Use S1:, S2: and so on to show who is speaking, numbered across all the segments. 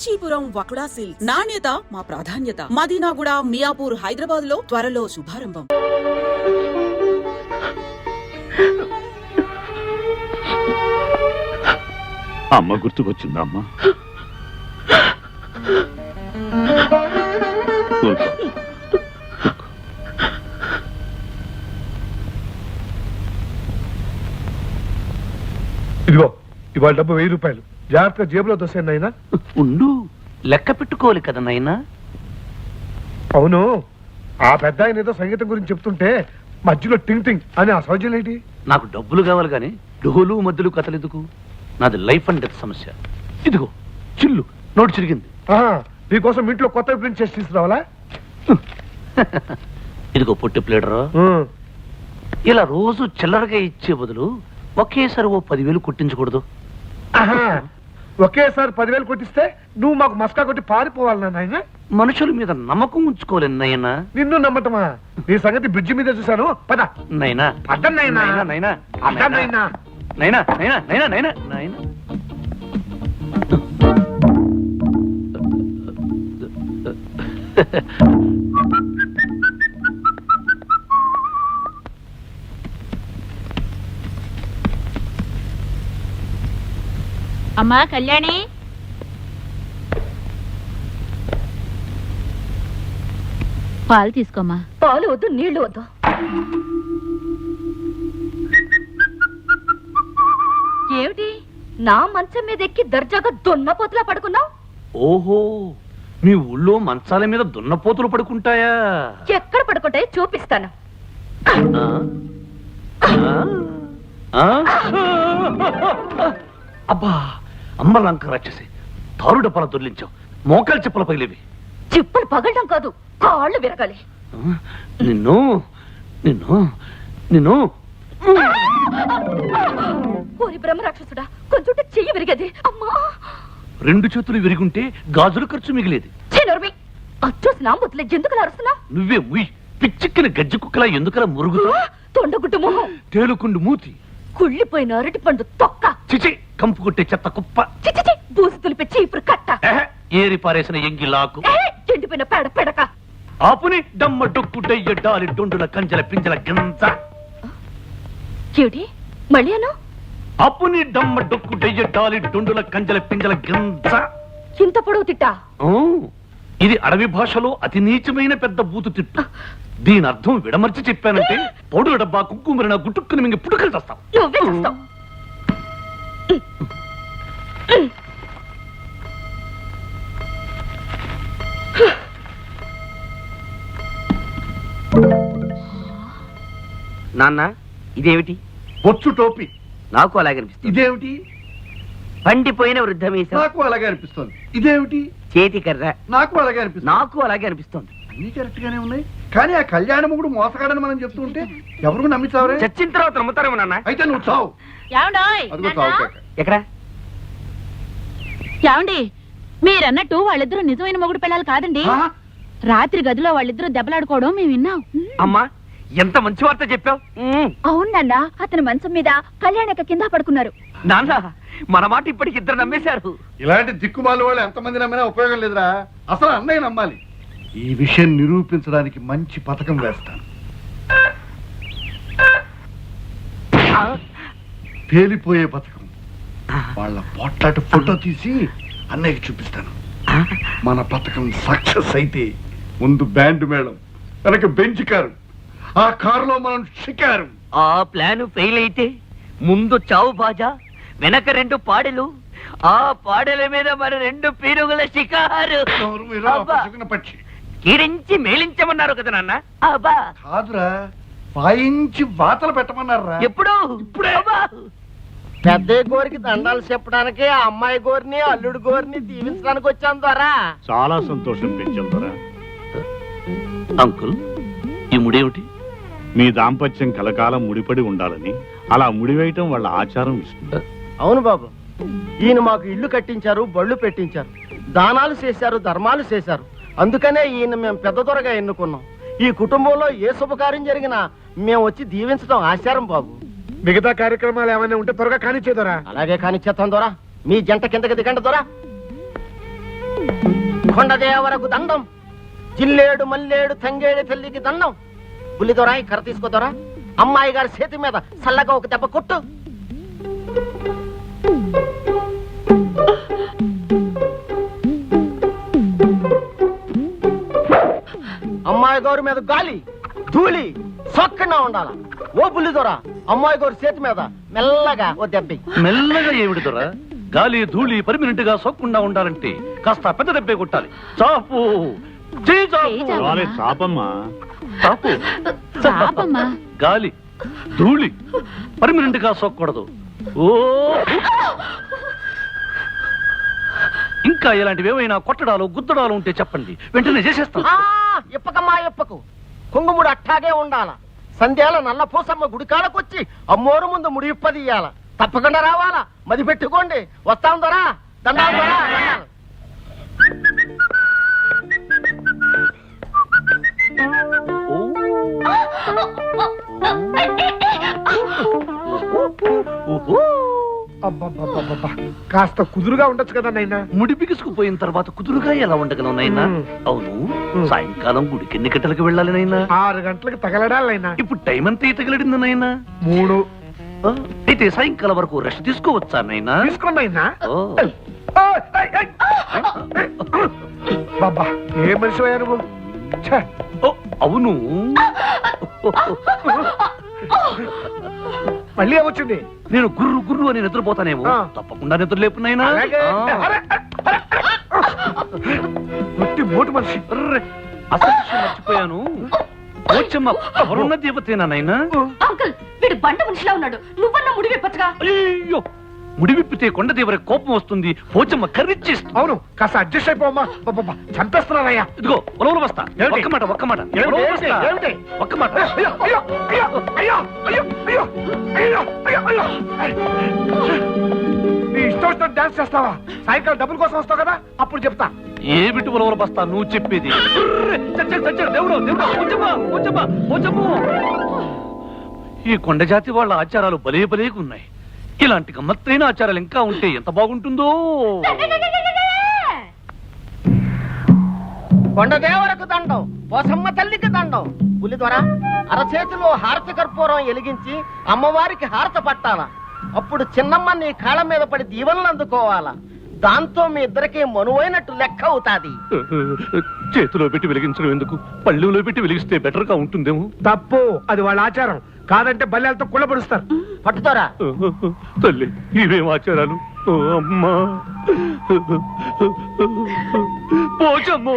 S1: Kanchipuram వకుడా silks నాణ్యత మా ప్రాధాన్యత. మదీనాగూడ, మియాపూర్, హైదరాబాద్ లో త్వరలో శుభారంభం.
S2: అమ్మ గుర్తుకొచ్చిందమ్మా.
S3: ఇదిగో ఇవాళ డబ్బు 1000 రూపాయలు జాగ్రత్తగా జేబులో దోసేయండి నాయనా.
S4: ఉండు, లెక్క పెట్టుకోవాలి కదా నాయనా.
S3: అవును, ఆ పెద్ద ఆయన ఏదో సంగీతం గురించి చెప్తుంటే మధ్యలో టింగ్ టింగ్ అని ఆ సౌజన్యం ఏంటి?
S4: నాకు డబ్బులు కావాలి కానీ డోలు మధ్యలు కథలు ఎందుకు? నాది లైఫ్ అండ్ డెత్ సమస్య. ఇదిగో చిల్లు నోటు చిరిగింది.
S3: నీకోసం ఇంట్లో కొత్త ప్రింట్ చేసి తీసుకురావాలా?
S4: ఇదిగో పొట్టి ప్లేడరు. ఇలా రోజు చిల్లరగా ఇచ్చే బదులు ఒకేసారి ఓ 10,000 కొట్టించకూడదు?
S3: ఒకేసారి 10,000 కొట్టిస్తే నువ్వు మాకు మస్కా కొట్టి పారిపోవాలి నాయన.
S4: మనుషుల మీద నమ్మకం ఉంచుకోలేను నాయనా.
S3: నిన్ను నమ్మటమా? నీ సంగతి బ్రిడ్జి మీద చూశాను. పద
S4: నైనా,
S3: పద నాయనా.
S4: నైనా,
S3: పద నాయనా.
S4: నైనా, నైనా, నైనా, నైనా, నైనా.
S5: అమ్మా కళ్యాణి, పాలు తీసుకోమ్మా.
S6: పాలు వద్దు, నీళ్లు వద్దు. ఏమిటి నా మంచం మీద ఎక్కి దర్జాగా దున్నపోతులా పడుకున్నావు?
S4: ఓహో, మీ ఊళ్ళో మంచాల మీద దున్నపోతులు పడుకుంటాయా?
S6: ఎక్కడ పడుకుంటాయో చూపిస్తాను.
S4: అబ్బా, అమ్మ లంక రాక్షసి, తారు డబ్బాల దొర్లించావు. మోకాలు చెప్పుల పగిలేవి.
S6: చిప్పులు పగలడం కాదు, కాళ్ళు విరగాలి.
S4: నిన్ను నిన్ను నిన్ను
S6: ఓరి బ్రహ్మ రాక్షసుడా, కొంచెం చెయ్యి విరిగేది. అమ్మా,
S4: 2 చేతులు విరిగుంటే గాజుల ఖర్చు మిగిలేది.
S6: అచ్చోసిన ముద్దులే ఎందుకు అరుస్తున్నా?
S4: నువ్వే ముయ్, పిచ్చిక్కిన గజ్జి కుక్కలా ఎందుకలా మురుగుతా?
S6: తొండగుడ్డు మొహం,
S4: తేలుకుండు మూతి,
S6: కుళ్ళిపోయిన అరటి పండు తొక్క,
S4: చిచి కంపు కొట్టే చెత్త కుప్ప,
S6: చిచి బూసి తులిపి ఇప్పుడు కట్ట,
S4: ఏరి పారేసిన ఎంగిలాకు,
S6: ఎండిపోయిన పేడ పెడక,
S4: ఆపుని డమ్మ డొక్కు డయ్య డాలి డొండుల కంజల పింజల గింజ.
S6: ఏమిటి మళ్ళీ అను?
S4: అప్పుని డమ్మ డొక్కు డయ్య డాలి డొండుల కంజల పింజల గింజ.
S6: ఇంత పొడవు తిట్టా?
S4: ఇది అడవి భాషలో అతి నీచమైన పెద్ద బూతు తిట్టు. దీని అర్థం విడమర్చి చెప్పానంటే పౌడు డబ్బా కుక్కుమరిన గుట్టుక్కుని మింగి పుట్టుకలు చేస్తాం.
S6: నువ్వే చేస్తావు.
S7: నాన్న, ఇదేమిటి?
S3: బొచ్చు టోపీ.
S7: నాకు అలాగే అనిపిస్తుంది.
S3: ఇదేమిటి?
S7: పండిపోయిన వృద్ధమీసం.
S3: నాకు అలాగే అనిపిస్తుంది. ఇదేమిటి?
S7: చేతి కర్ర.
S3: నాకు అలాగే అనిపిస్తుంది.
S7: నాకు అలాగే అనిపిస్తుంది.
S3: అన్ని కరెక్ట్ గానే ఉన్నాయి, కానీ ఆ కళ్యాణ మొగుడు మోసగాడని మనం చెప్తూ ఉంటే ఎవరు నమ్మిస్తావరే?
S7: చచ్చిన తర్వాత నమ్ముతారేమో నాన్న.
S3: అయితే నువ్వు చావు. అదిగో చావు కేక.
S7: ఎక్కడ?
S5: ఏమండి, మీరన్నట్టు వాళ్ళిద్దరూ నిజమైన మొగుడు పిల్లలు కాదండి. రాత్రి గదిలో వాళ్ళిద్దరూ దెబ్బలాడుకోవడం మేము విన్నాం.
S7: అమ్మా, ఎంత మంచి వార్త చెప్పావు.
S6: అవునన్నా, అతని మంచం మీద కళ్యాణక కింద పడుకున్నారు.
S7: నాన్న, మన మాట ఇప్పటికి 2 నమ్మేశారు.
S3: ఇలాంటి దిక్కుమాల వాళ్ళు ఎంతమంది నమ్మినా ఉపయోగం లేదురా. అసలు అన్నయ్య నమ్మాలి. ఈ విషయం నిరూపించడానికి మంచి పథకం వేస్తాను. పేలిపోయే పథకం. వాళ్ళ పొట్లాట ఫోటో తీసి అన్నయ్యకి చూపిస్తాను. మన పథకం సక్సెస్ అయితే ముందు బ్యాండ్ మేళం, వెనక బెంచ్ కారు, ఆ కారులో మనం షికారు.
S7: ఆ ప్లాన్ ఫెయిల్ అయితే ముందు చావు బాజా, వెనక 2 పాడెలు, ఆ పాడెల మీద మన 2 పీరుగుల షికారు.
S3: పక్షి
S7: కీరించి మేలించమన్నారు కదా నాన్న. అబ్బా
S3: కాదురా, వాయించి వాతలు పెట్టమన్నారా?
S7: ఎప్పుడు?
S3: ఇప్పుడే.
S8: పెద్ద గోరికి దండాలు చెప్పడానికి ఆ అమ్మాయి గోరిని అల్లుడు గోరిని దీవించడానికి వచ్చాను ద్వారా.
S2: చాలా సంతోషం పెంచాం ద్వారా.
S4: అంకుల్, ఈ ముడేమిటి?
S2: మీ దాంపత్యం కలకాలం ముడిపడి ఉండాలని అలా ముడివేయటం వాళ్ళ ఆచారం. విష్ణు,
S8: అవును బాబు, ఈయన మాకు ఇల్లు కట్టించారు, బళ్ళు పెట్టించారు, దానాలు చేశారు, ధర్మాలు చేశారు. అందుకనే ఈయన మేము పెద్ద దొరగా ఎన్నుకున్నాం. ఈ కుటుంబంలో ఏ శుభకార్యం జరిగినా మేము వచ్చి దీవించడం ఆచారం బాబు.
S3: మిగతా కార్యక్రమాలు ఏమైనా ఉంటే త్వరగా కానిచ్చేదరా.
S8: అలాగే కానిచ్చేస్తాం దొరా. మీ జంట కిందకి దిగండి దొరా. కొండదేవరకు దండం, జిల్లేడు మల్లేడు తంగేడు తల్లికి దండం. బుల్లిదొరా ఈ కర్ర తీసుకోదొరా, అమ్మాయి గారి చేతి మీద చల్లగా ఒక దెబ్బ కొట్టు. అమ్మాయి గారి మీద గాలి ధూళి సొక్కగా ఉండాల. ఓ బుల్లిదొరా, అమ్మాయి గారి చేతి మీద మెల్లగా ఓ దెబ్బ.
S4: మెల్లగా ఏమిటి దొరా? గాలి ధూళి పర్మినెంట్ గా సోకకుండా ఉండాలంటే కాస్త పెద్ద దెబ్బే కొట్టాలి. చాపు చేయి చాపు.
S2: చాలే చాపమ్మా.
S4: చాపు.
S5: చాపమ్మా.
S4: గాలి ధూళి పర్మినెంట్ గా సోకూడదు. ఓ ఇంకా ఇలాంటివి ఏమైనా కొట్టడాలు గుద్దడాలు ఉంటే చెప్పండి, వెంటనే చేసేస్తాం.
S8: ఇప్పకమ్మా ఇప్పకు, కుంగుముడు అట్టాగే ఉండాల. సంధ్యాల నల్ల పూసమ్మ గుడికాడకొచ్చి అమ్మోరు ముందు ముడి ఇప్పదీయాల. తప్పకుండా రావాలా, మది పెట్టుకోండి. వస్తాం దొరా, దండాలు దొరా.
S9: అబ్బబ్బబ్బబ్బబ్బా, కాస్త కుదురుగా ఉండొచ్చు కదా నైనా.
S4: ముడి బిగుసుకుపోయిన తర్వాత కుదురుగా ఎలా ఉండగలం నైనా? అవును, సాయంకాలం గుడికి ఎన్ని గంటలకు వెళ్ళాలి నైనా?
S9: 6 గంటలకు తగలడాలైనా.
S4: ఇప్పుడు టైం అంతా తగిలడింది నైనా?
S9: 3.
S4: అయితే సాయంకాలం వరకు రెస్ట్ తీసుకోవచ్చా నైనా?
S9: తీసుకోండి అయినా.
S4: ఓ.
S9: బాబా, ఏ మనిషి అయ్యా నువ్వు? ఛే.
S4: ఓ, అవును.
S9: మళ్ళీ ఏమొచ్చింది?
S4: నేను గుర్రు గుర్రు అని నిద్రపోతానేమో. తప్పకుండా నిద్ర లేపు నైనా.
S9: అలాగే. అరే, అరే, అరే. ఒట్టి మోటు మనిషి.
S4: అసలు విషయం మర్చిపోయాను. పోచమ్మ ఎవరున్న దేవతేనా నైనా?
S6: అంకుల్, వీడు బండ మనిషిలా ఉన్నాడు. నువ్వన్నా ముడి విప్పచ్చుగా.
S4: అయ్యో, ముడి విప్పితే కొండదేవర కోపం వస్తుంది. పోచమ్మ కర్రిచ్చేస్తుంది.
S9: అవును, కాస్త అడ్జస్ట్ అయిపోమ్మా. బాబా, చంపేస్తున్నారయ్యా.
S4: ఇదిగో ఉలవలు బస్తా. ఒక్క మాట ఒక్క మాట. ఉలవలు బస్తా. ఒక్క మాట.
S9: అయ్యో అయ్యో అయ్యో అయ్యో అయ్యో అయ్యో అయ్యో అయ్యో అయ్యో. నీ ఇష్టం వచ్చినట్టు డాన్స్ చేస్తావా? సాయంకాలం డబ్బుల కోసం వస్తావు కదా, అప్పుడు చెప్తా.
S4: ఏమిటి ఉలవలు బస్తా నువ్వు చెప్పేది? దేవుడు దేవుడు, పోచమ్మ పోచమ్మ పోచమ్మ. ఈ కొండ జాతి వాళ్ళ ఆచారాలు భలే భలేగా ఉన్నాయి. ఇలాంటి గమ్మత్తైన ఆచారాలు ఇంకా ఉంటే ఎంత బాగుంటుందో.
S8: కొండదేవరకు దండం, పోసమ్మ తల్లికి దండం. పులిదొర అరచేతిలో హారతి కర్పూరం ఎలిగించి అమ్మవారికి హారత పట్టాల. అప్పుడు చిన్నమ్మ నీ కాళ్ళ మీద పడి దీవెనలు అందుకోవాలా. దాంతో మీ ఇద్దరికి మనువైనట్టు లెక్క అవుతాది.
S4: చేతిలో పెట్టి వెలిగించడం ఎందుకు? పళ్ళెంలో పెట్టి వెలిగిస్తే బెటర్ గా ఉంటుందేమో.
S9: తప్పు, అది వాళ్ళ ఆచారం. కాదంటే బల్లెలతో కుళ్ళపరుస్తారు.
S8: పట్టుదోరా.
S4: తల్లి, ఇవేం ఆచారాలు? ఓ అమ్మా, పోచమ్మో.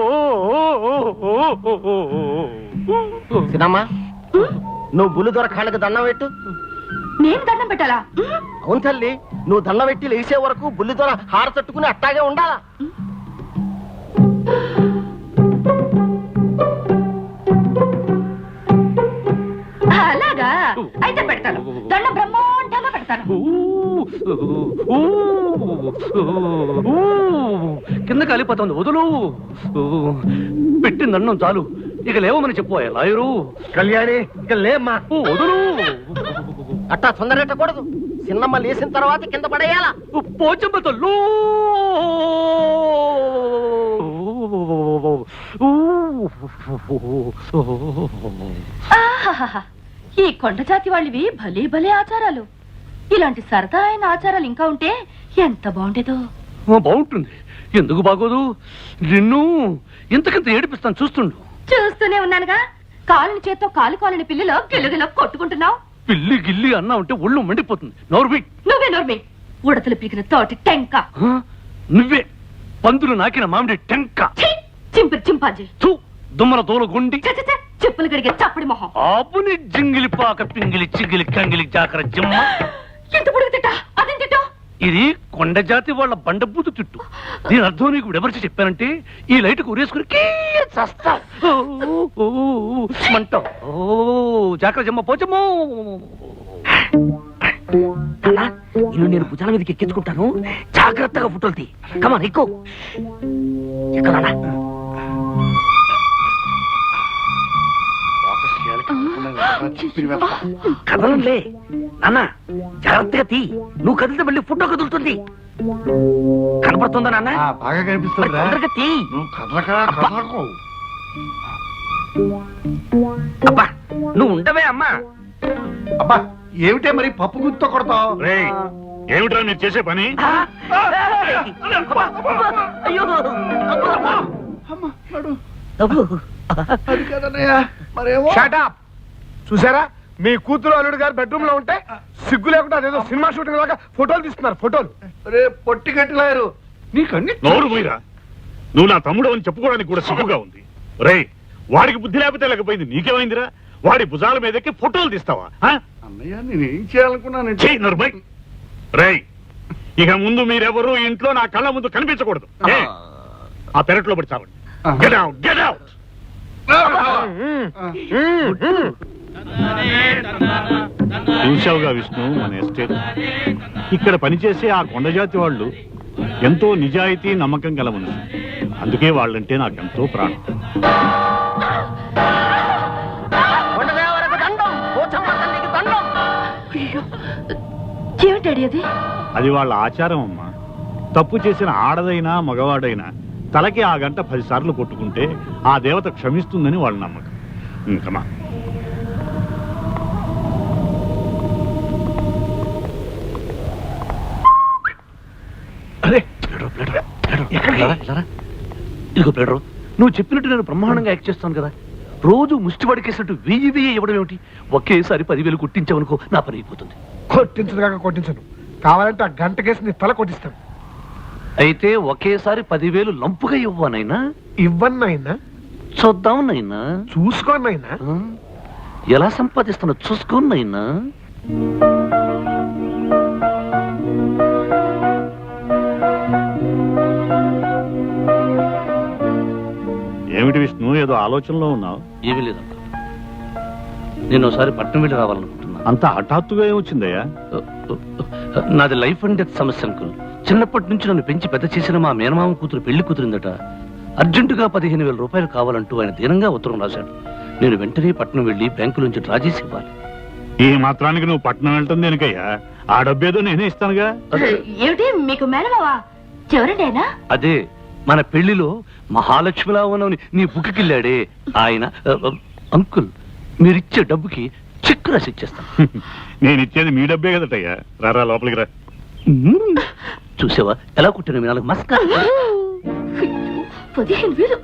S8: సినమ్మా, నువ్వు బుల్లిదొర కాళ్ళకి దండం పెట్టు.
S6: నేను దండం పెట్టాలా?
S8: అవును తల్లి, నువ్వు దండం పెట్టి లేచే వరకు బుల్లిదొర హార తట్టుకుని అట్టాగే ఉండాలా.
S6: అలాగా అయితే పెడతాను. దండం బ్రహ్మాండంగా పెడతాను.
S4: కింద కాలిపోతుంది, వదులు. పెట్టింది అన్నం చాలు, ఇక లేవమని చెప్పు లాయరు.
S9: కళ్యాణి, ఇక లేమ్మా.
S4: వదులు.
S8: అట్టా తొందరెట్టకూడదు. చిన్నమ్మ లేచిన తర్వాత కింద పడేయాలా.
S4: పోచమ్మ తల్లు.
S6: ఆహాహాహా, ఈ కొండ జాతి వాళ్ళవి భలే భలే ఆచారాలు. ఇలాంటి సరదా అయిన ఆచారాలు ఇంకా ఉంటే ఎంత బాగుండేదో.
S4: బాగుంటుంది, ఎందుకు బాగోదు? నిన్ను ఇంతకంత ఏడిపిస్తాను, చూస్తుండు.
S6: చూస్తూనే ఉన్నానుగా. కాలుని చేత్తో కాలుని పిల్లిలో గిల్లుగిలో కొట్టుకుంటున్నావు.
S4: పిల్లి గిల్లి అన్నా ఉంటే ఒళ్ళు మండిపోతుంది. నోర్మి.
S6: నువ్వే నోర్మి. ఉడతలు పీకిన తోటి టెంక.
S4: నువ్వే పందులు నాకిన మామిడి టెంక.
S6: చింపిరి చింపాజీ.
S4: దుమ్మల దోల గుండి.
S6: చెప్పులు గడిగే చప్పడి మొహం.
S4: ఆపుని జింగిలి పాక పింగిలి చిగిలి కంగిలి జాకర జిమ్మ.
S6: ఎంత పొడుగు తిట్టా? అదేం తిట్టా?
S4: ఇది కొండ జాతి వాళ్ళ బండబూతు తిట్టు. దీని అర్థం నీకు ఎవరికి చెప్పానంటే ఈ లైట్ ఉరేసుకుని చస్తా మంట. జాకర జిమ్మ పోచమ్మో.
S7: ఇల్లు నేను భుజాల మీదకి ఎక్కించుకుంటాను, జాగ్రత్తగా ఫోటోలు తీ. కమాన్ ఎక్కువ ఎక్కడా? కదలంలే నాన్న, జాగ్రత్తగా తీ. నువ్వు కదిలితే మళ్ళీ ఫోటో కదులుతుంది. కనపడుతుందా నాన్న
S3: బాగా కనిపిస్తుందిరా
S7: తొందరగా తీ.
S3: నువ్వు కదలకు
S7: అబ్బా నువ్వు ఉండవే అమ్మా.
S3: అబ్బా ఏమిటే మరి పప్పు గుర్తుతో కొడతావు
S2: రేయ్ ఏమిట్రా మీరు చేసే పని?
S7: అబ్బా, అయ్యో అబ్బా. అబ్బో.
S3: అది కదన్నయ్యా మరేమో
S9: షటప్ చూసారా మీ కూతురు అల్లుడు గారు బెడ్రూమ్ లో ఉంటే సిగ్గు లేకుండా అదేదో సినిమా షూటింగ్ లాగా ఫోటోలు తీస్తున్నారు ఫోటోలు.
S3: రే పొట్టి కట్టిలారు నీకన్నీ
S2: నోరు పోయిరా. నువ్వు నా తమ్ముడు అని చెప్పుకోవడానికి కూడా సిగ్గుగా ఉంది. రేయ్ వాడికి బుద్ధి లేకపోతే లేకపోయింది, నీకేమైందిరా? వాడి భుజాల మీదకి ఫోటోలు తీస్తావా?
S3: అన్నయ్య నేనేం చేయాలనుకున్నానంటే
S2: చెయ్యి నరుబై. రేయ్ ఇక ముందు మీరెవరూ ఇంట్లో నా కళ్ళ ముందు కనిపించకూడదు. ఏ? ఆ పెరట్లో పడి చావండి. Get out, get out. చూశావుగా విష్ణు మన ఎస్టేట్. ఇక్కడ పనిచేసే ఆ కొండజాతి వాళ్ళు ఎంతో నిజాయితీ నమ్మకం గల మనుషులు. అందుకే వాళ్ళంటే నాకెంతో ప్రాణం.
S6: ఏమిటాడి అది?
S2: అది వాళ్ళ ఆచారం అమ్మా. తప్పు చేసిన ఆడదైనా మగవాడైనా తలకి ఆ గంట 10 సార్లు కొట్టుకుంటే ఆ దేవత క్షమిస్తుందని వాళ్ళ నమ్మకం. ఇంకమా
S4: అరే ఇదిగో ప్లేడరు, నువ్వు చెప్పినట్టు నేను బ్రహ్మాండంగా యాక్ట్ చేస్తాను కదా. రోజు ముష్టి పడికేసినట్టు 1000 ఇవ్వడం ఏమిటి? ఒకేసారి 10,000 కొట్టించావనుకో నా పని అయిపోతుంది.
S9: కొట్టించదు కాక కొట్టించను, కావాలంటే ఆ గంట కేసు నీ తల కొట్టిస్తాను.
S4: అయితే ఒకేసారి 10,000 లంపుగా ఇవ్వనైనా?
S9: ఇవ్వన్నైనా
S4: చూద్దాం నైనా.
S9: చూసుకోనైనా.
S4: ఎలా సంపాదిస్తున్నా చూసుకోనైనా.
S2: ఏమిటి విష్ణు ఏదో ఆలోచనలో ఉన్నావు?
S4: ఏమీ లేదంట. నేను ఒకసారి పట్నం వెళ్ళి రావాలనుకుంటున్నా.
S2: అంత హఠాత్తుగా ఏమొచ్చిందయ్యా?
S4: నాది లైఫ్ అండ్ డెత్ సమస్య అంకుల్. చిన్నప్పటి నుంచి నన్ను పెంచి పెద్ద చేసిన మా మేనమామ కూతురు పెళ్లి కుదిరిందట. అర్జెంటుగా 15,000 రూపాయలు కావాలంటూ ఆయన దీనంగా ఉత్తరం రాశాడు. నేను వెంటనే పట్నం వెళ్ళి బ్యాంకు నుంచి డ్రా చేసి ఇవ్వాలి.
S2: ఈ మాత్రానికి నువ్వు పట్నం వెళ్ళటం దేనికయ్యా? ఆ డబ్బేదో నేనే ఇస్తానుగా.
S6: ఏమిటి మీకు మేనమావా? ఎవరండి ఆయన?
S4: అదే మన పెళ్లిలో మహాలక్ష్మిలా ఉన్నవని నీ బుక్కిళ్ళాడే ఆయన. అంకుల్ మీరిచ్చే డబ్బుకి చెక్ రాసి ఇచ్చేస్తాను.
S2: నేను ఇచ్చేది మీ డబ్బే కదటయ్యా. రారా లోపలికి రా.
S4: చూసావా ఎలా కుట్టిన మీ నాలుగు మస్కా.
S6: 15,000.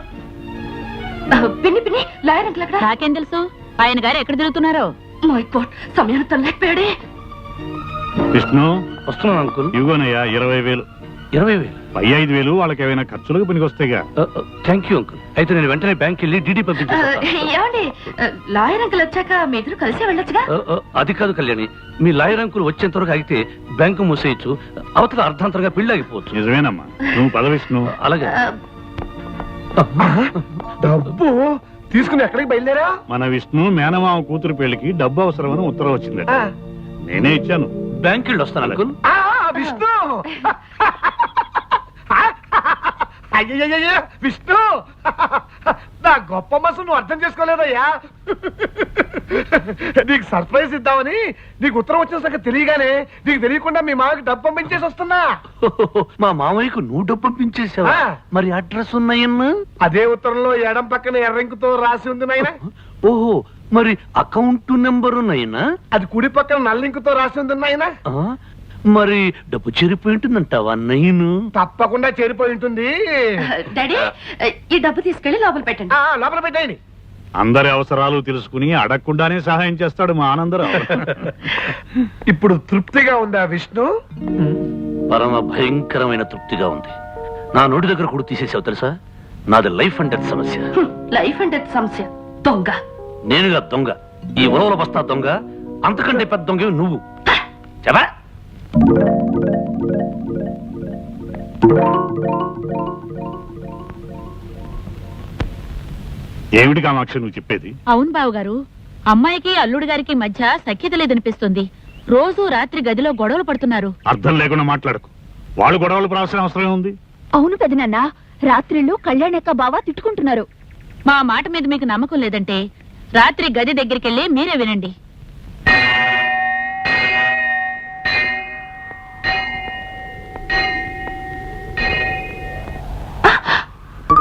S6: పిన్ని పిన్ని లాయర్ అంకుల్ అక్కడ.
S5: నాకేం తెలుసు ఆయన గారు ఎక్కడ తిరుగుతున్నారో.
S6: మై గాడ్ సమయాన్ని తనలేకపోయాడే.
S2: విష్ణు
S4: వస్తున్నాను అంకుల్.
S2: ఇవ్వనయ్యా 20,000.
S4: 20,000?
S2: పై 5,000 వాళ్ళకి ఏమైనా ఖర్చులకు పనికొస్తాయిగా.
S4: Thank you uncle. అయితే నేను వెంటనే బ్యాంక్ వెళ్ళి డీడీ పంపించేస్తాను.
S6: ఏమండి లాయర్ అంకుల్ వచ్చాక మీ ఇద్దరు కలిసి వెళ్ళొచ్చుగా.
S4: అది కాదు కళ్యాణి, మీ లాయర్ అంకుల్ వచ్చేంత వరకు ఆగితే బ్యాంకు మూసేయచ్చు. అవతల అర్ధాంతరంగా పెళ్లి ఆగిపోవచ్చు.
S2: నిజమేనమ్మా, నువ్వు పద విష్ణు.
S4: అలాగే.
S9: డబ్బు తీసుకుని ఎక్కడికి బయలుదేరా?
S2: మన విష్ణు మేనమామ కూతురు పెళ్లికి డబ్బు అవసరమని ఉత్తరం వచ్చిందట. నేనే ఇచ్చాను.
S4: బ్యాంక్ వెళ్ళి వస్తాను అంకుల్.
S9: విష్ణు అయ్యయ్యయ్య విష్ణు, నా గొప్ప మనసు నువ్వు అర్థం చేసుకోలేదయ్యా. నీకు సర్ప్రైజ్ ఇద్దామని నీకు ఉత్తరం వచ్చిన సంగతి తెలియగానే నీకు తెలియకుండా మీ మామకి డబ్బు పంపించేసి వస్తున్నా.
S4: మా మామయ్యకు నువ్వు డబ్బు పంపించేసావా? మరి అడ్రస్ ఉన్నాయన్నా?
S9: అదే ఉత్తరంలో ఎడం పక్కన ఎర్రంకుతో రాసి ఉంది నాయనా.
S4: ఓహో, మరి అకౌంట్ నెంబర్ ఉన్నాయనా?
S9: అది కుడి పక్కన నల్లింకుతో రాసి ఉంది నాయనా.
S4: మరి డబ్బు చేరిపోయి ఉంటుందంటావా నయ్యను?
S9: తప్పకుండా చేరిపోయి ఉంటుంది.
S6: డాడీ ఈ డబ్బు తీసుకెళ్లి లోపల పెట్టండి.
S9: లోపల పెట్టండి.
S2: అందరి అవసరాలు తెలుసుకుని అడగకుండానే సహాయం చేస్తాడు మా ఆనందరావు.
S9: ఇప్పుడు తృప్తిగా ఉందా విష్ణు?
S4: పరమ భయంకరమైన తృప్తిగా ఉంది. నా నోటి దగ్గర కూడా తీసేసావు తెలుసా? నాది లైఫ్ అండ్ డెత్ సమస్య.
S6: లైఫ్ అండ్ డెత్ సమస్య. దొంగ
S4: నేనుగా దొంగ? ఈ ఉలవల బస్తా దొంగ. అంతకంటే పెద్ద దొంగ నువ్వు. చెప్పా
S2: ఏమిటి కామాక్షి నువ్వు చెప్పేది?
S5: అవును బావగారు, అమ్మాయికి అల్లుడు గారికి మధ్య సఖ్యత లేదనిపిస్తుంది. రోజు రాత్రి గదిలో గొడవలు పడుతున్నారు.
S2: అర్థం లేకుండా మాట్లాడకు. వాళ్ళు గొడవలు పడాల్సిన అవసరం ఉంది.
S5: అవును పెదనాన్న, రాత్రిళ్ళు కళ్యాణక్క బావ తిట్టుకుంటున్నారు. మా మాట మీద మీకు నమ్మకం లేదంటే రాత్రి గది దగ్గరికెళ్ళి మీరే వినండి.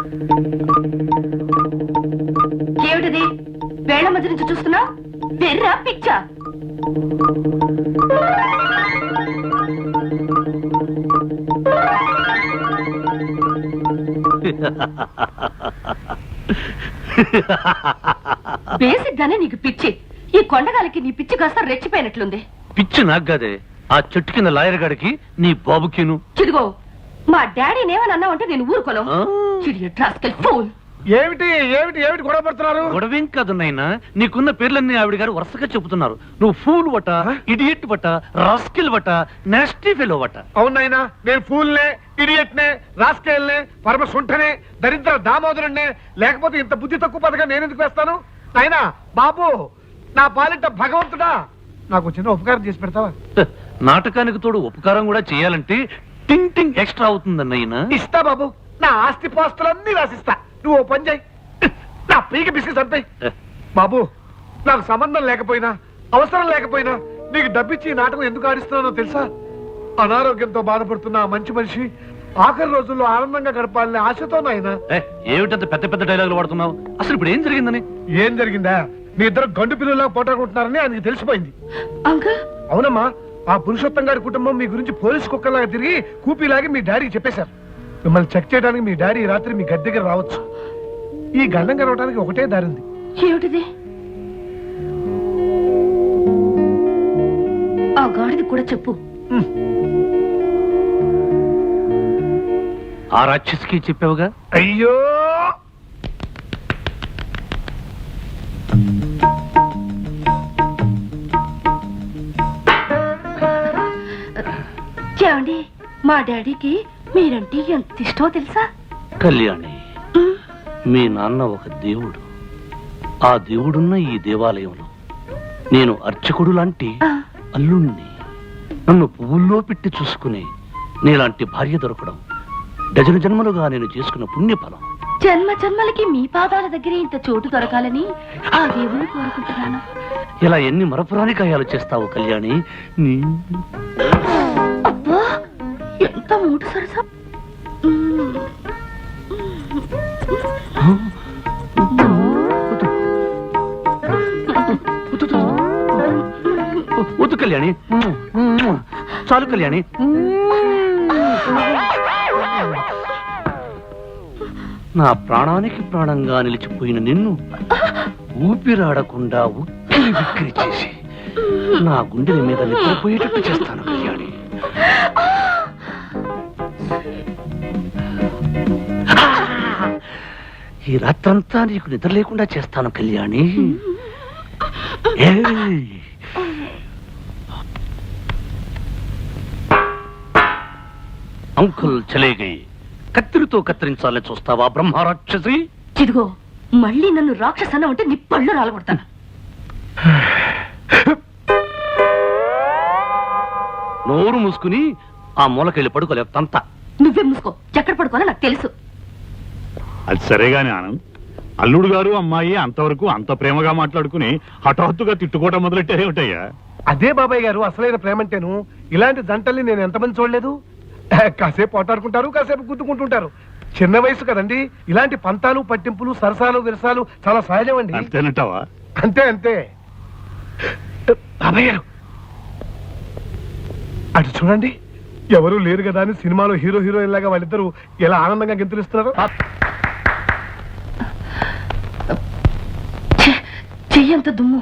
S6: ఏమిటిది వేళ్ల మధ్య నుంచి చూస్తున్నా వెర్రా పిచ్చా బేసిక్ గానే నీకు పిచ్చి ఈ కొండగాలికి నీ పిచ్చి కాస్త రెచ్చిపోయినట్లుంది.
S4: పిచ్చి నాకు కాదే, ఆ చెట్టు కింద లాయర్ గాడికి నీ బాబుకిను.
S6: చిదిగో మా డాడీని ఏమని అన్నావంటే నేను ఊరుకోను. చిడియట్ రాస్కెల్ ఫూల్.
S9: ఏమిటి ఏమిటి ఏమిటి గొడవ పడుతున్నారు?
S4: గొడవేం కాదు నాయనా, నీకున్న పేర్లన్నీ ఆవిడ గారు వరుసగా చెబుతున్నారు. నువ్వు ఫూల్ వట, ఇడియట్ వట, రాస్కిల్ వట, నాస్టీ ఫెలో వట.
S9: అవునైనా నేను ఫూల్నే, ఇడియట్నే, రాస్కేల్నే, పరమ సుంఠనే, దరిద్ర దామోదరుణ్ణే, లేకపోతే ఇంత బుద్ధి తక్కువ పథకం నేను ఎందుకు వేస్తాను? అయినా బాబు నా పాలిట భగవంతుడా, నాకు చిన్న ఉపకారం చేసి పెడతావా?
S4: నాటకానికి తోడు ఉపకారం కూడా చేయాలంటే టింగ్ టింగ్ ఎక్స్ట్రా అవుతుందన్నయ్యనా.
S9: ఇస్తా బాబు, నా ఆస్తి పాస్తులన్నీ రాసిస్తా. నువ్వు ఓ పని చేయి, నా పీక బిస్కెట్ అంతే. బాబు నాకు సంబంధం లేకపోయినా అవసరం లేకపోయినా నీకు డబ్బిచ్చి ఈ నాటకం ఎందుకు ఆడిస్తున్నానో తెలుసా? అనారోగ్యంతో బాధపడుతున్న ఆ మంచి మనిషి ఆఖరి రోజుల్లో ఆనందంగా గడపాలనే ఆశతో నాయన.
S4: ఏమిటంత పెద్ద పెద్ద డైలాగులు వాడుతున్నావు? అసలు ఇప్పుడు ఏం జరిగిందని?
S9: ఏం జరిగిందా? మీ ఇద్దరు గండు పిల్లలా పోటాడుకుంటున్నారని ఆయనకి తెలిసిపోయింది.
S6: అంకుల్
S9: అవునమ్మా, ఆ పురుషోత్తం గారి కుటుంబం మీ గురించి పోలీసు కుక్కలాగా తిరిగి కూపీలాగి మీ డాడీకి చెప్పేశారు. మిమ్మల్ని చెక్ చేయడానికి మీ డాడీ రాత్రి మీ గది దగ్గర రావచ్చు. ఈ గండం గడవడానికి ఒకటే దారి ఉంది.
S6: ఏమిటిది? ఆ గాడిది కూడా చెప్పు.
S4: ఆ రాక్షసికి చెప్పావుగా?
S9: అయ్యో
S6: ఏమండి, మా డాడీకి మీరంటే ఎంత ఇష్టమో తెలుసా?
S4: కళ్యాణి, మీ నాన్న ఒక దేవుడు. ఆ దేవుడున్న ఈ దేవాలయంలో నేను అర్చకుడు లాంటి అల్లుణ్ణి. నన్ను పువ్వుల్లో పెట్టి చూసుకుని నీలాంటి భార్య దొరకడం డజన జన్మలుగా నేను చేసుకున్న పుణ్యఫలం.
S6: జన్మ జన్మలకి మీ పాదాల దగ్గర ఇంత చోటు దొరకాలని ఆ దేవుని కోరుకుంటున్నాను.
S4: ఇలా ఎన్ని మరపురాని కాయాలు చేస్తావు కళ్యాణి. నీ
S6: అబ్బా ఎంత మూడు సరసం.
S4: వద్దు కళ్యాణి, చాలు కళ్యాణి. నా ప్రాణానికి ప్రాణంగా నిలిచిపోయిన నిన్ను ఊపిరాడకుండా ఉక్కిరి బిక్కిరి చేసి నా గుండెల మీద నిద్రపోయేటట్టు చేస్తాను కళ్యాణి. ఈ రాత్రంతా నీకు నిద్ర లేకుండా చేస్తాను కళ్యాణి. అంకుల్ చలే గయి. కత్తిరితో కత్తిరించాలని చూస్తావా బ్రహ్మరాక్షసి?
S6: ఇదిగో మళ్ళీ నన్ను రాక్షసన్న ఉంటే నీ పళ్ళు రాలగొడతాను.
S4: నోరు మూసుకుని ఆ మూలకెళ్ళి పడుకోలేవు తంత.
S6: నువ్వే మూసుకో, ఎక్కడ పడుకోనో నాకు తెలుసు.
S2: అది సరేగాని ఆనంద్, అల్లుడు గారు అమ్మాయి అంతవరకు అంత ప్రేమగా మాట్లాడుకుని హఠాత్తుగా తిట్టుకోవటం మొదలెట్టారేమిటయ్యా?
S9: అదే బాబాయ్ గారు అసలైన ప్రేమంటేను. ఇలాంటి జంటల్ని నేను ఎంతమంది చూడలేదు. కాసేపు పోటాడుకుంటారు, కాసేపు గుద్దుకుంటుంటారు. చిన్న వయసు కదండి. ఇలాంటి పంతాలు పట్టింపులు సరసాలు విరసాలు చాలా సహజం అండి.
S2: అంతేనంటావా?
S9: అంతే అంతే. బాబాయ్ గారు అటు చూడండి, ఎవరు లేరు కదా అని సినిమాలో హీరో హీరోయిన్ లాగా వాళ్ళిద్దరూ ఎలా ఆనందంగా గెంతులిస్తున్నారు.
S6: చెయ్యంత దుమ్ము.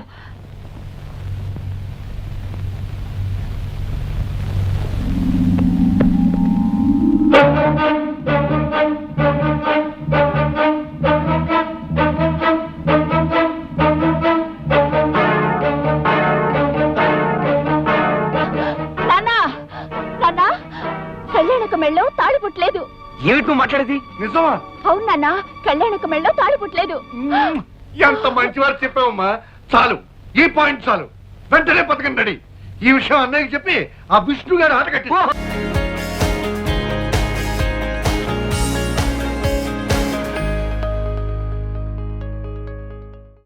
S5: కళ్యాణక మెళ్ళో తాళి పుట్టలేదు.
S7: ఏమిటి మాట్లాడేది?
S9: నిజమా?
S5: అవును నాన్న, కళ్యాణక మెళ్ళో తాళి పుట్టలేదు.
S3: ఎంత మంచివారు చెప్పావమ్మా. చాలు, ఈ పాయింట్ చాలు. వెంటనే పథకం రెడీ. ఈ విషయం అన్నయ్యకి చెప్పి ఆ విష్ణు గారు ఆట కట్టి